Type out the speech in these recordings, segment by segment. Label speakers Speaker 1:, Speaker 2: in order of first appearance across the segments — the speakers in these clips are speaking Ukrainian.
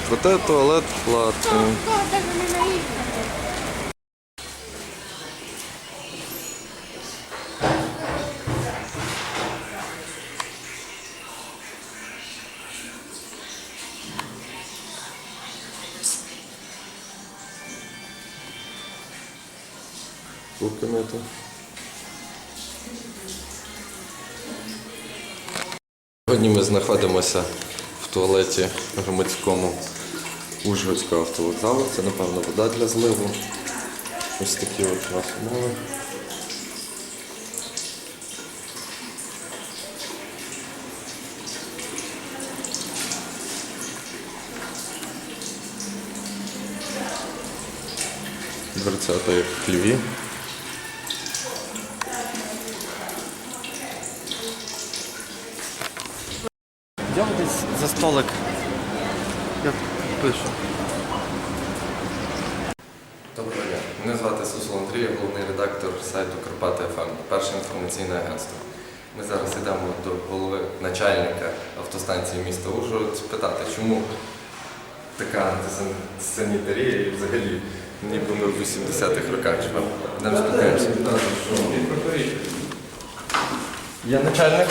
Speaker 1: Проте туалет платний. Руки мити. Сьогодні ми знаходимося в туалеті громадському Ужгородського автовокзалу. Це, напевно, вода для зливу. Ось такі от у нас умови. Дверцята як в хліві.
Speaker 2: Йдемо десь за столик. Я пишу.
Speaker 1: Доброго дня. Мене звати Сусул Андрій, я головний редактор сайту Карпати ФМ, перше інформаційне агентство. Ми зараз йдемо до голови начальника автостанції міста Ужгород спитати, чому така антисанітарія і взагалі ніби ми в 80-х роках живемо. Йдемо спитаємося. Я начальник.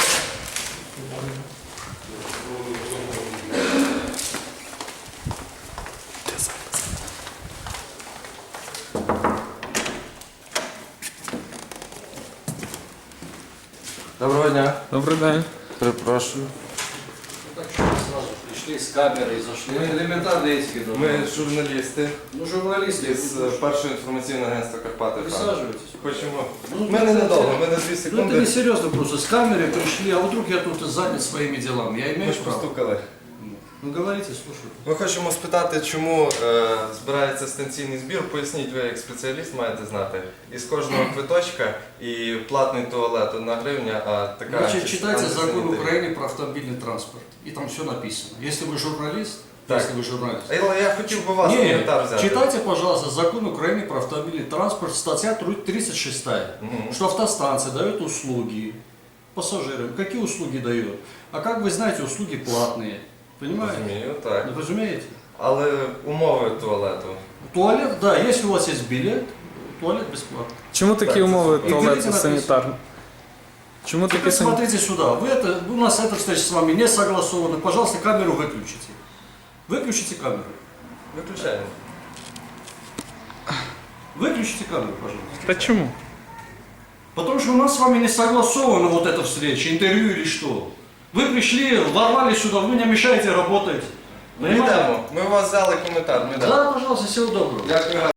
Speaker 1: Доброго дня.
Speaker 2: Добрий день.
Speaker 1: Перепрошую.
Speaker 3: Так что мы сразу пришли с камерой, зашли. Мы элементарно эти
Speaker 1: Ми журналісти
Speaker 3: Ну, журналисты,
Speaker 1: із першого інформаційного агентства Карпати ФМ.
Speaker 3: присаживайтесь.
Speaker 1: Хочемо.
Speaker 3: Ну,
Speaker 1: Ми ненадовго, ми на 2
Speaker 3: Ну, это
Speaker 1: секунди.
Speaker 3: не серьезно просто. С камерой пришли, а вдруг я тут занят своими делами. Я
Speaker 1: Ми
Speaker 3: имею
Speaker 1: ж
Speaker 3: право.
Speaker 1: постукали.
Speaker 3: Ну, говорите, слушаю.
Speaker 1: Ми хочемо спитати, чому збирається станційний збір. Поясніть, ви як спеціаліст маєте знати. Із кожного квиточка і платний туалет 1 гривня, а така...
Speaker 3: Значит, читайте закон
Speaker 1: антисанітарія.
Speaker 3: Украины про автомобильный транспорт. И там все написано. Если вы журналист,
Speaker 1: Так.
Speaker 3: если вы журналист.
Speaker 1: Але я хотів би вас коментар взяти.
Speaker 3: читайте, пожалуйста, закон Украины про автомобильный транспорт, статья 36,
Speaker 1: Мгм.
Speaker 3: что автостанция дает услуги пассажирам. Какие услуги дает? А как вы знаете, услуги платные. Понимаете?
Speaker 1: Розумію, так.
Speaker 3: Вы разумеете?
Speaker 1: Але умови туалету.
Speaker 3: Туалет, да, если у вас есть билет, туалет бесплатный.
Speaker 2: Чому такі
Speaker 1: Так,
Speaker 2: умови
Speaker 3: і
Speaker 2: туалету
Speaker 3: дивіться,
Speaker 2: санітарні? Чому такі
Speaker 3: Теперь
Speaker 2: санітарні?
Speaker 3: смотрите сюда. У нас эта встреча с вами не согласована. Пожалуйста, камеру выключите. Выключите камеру.
Speaker 1: Виключаємо.
Speaker 3: Выключите камеру, пожалуйста.
Speaker 2: Та чому?
Speaker 3: Потому что у нас с вами не согласована вот эта встреча, интервью или что. Вы пришли, ворвались сюда, вы не мешаете работать.
Speaker 1: Ми йдемо. Ми у вас взяли коментар. Ми йдемо.
Speaker 3: Да, пожалуйста, всего доброго.
Speaker 1: Дякую.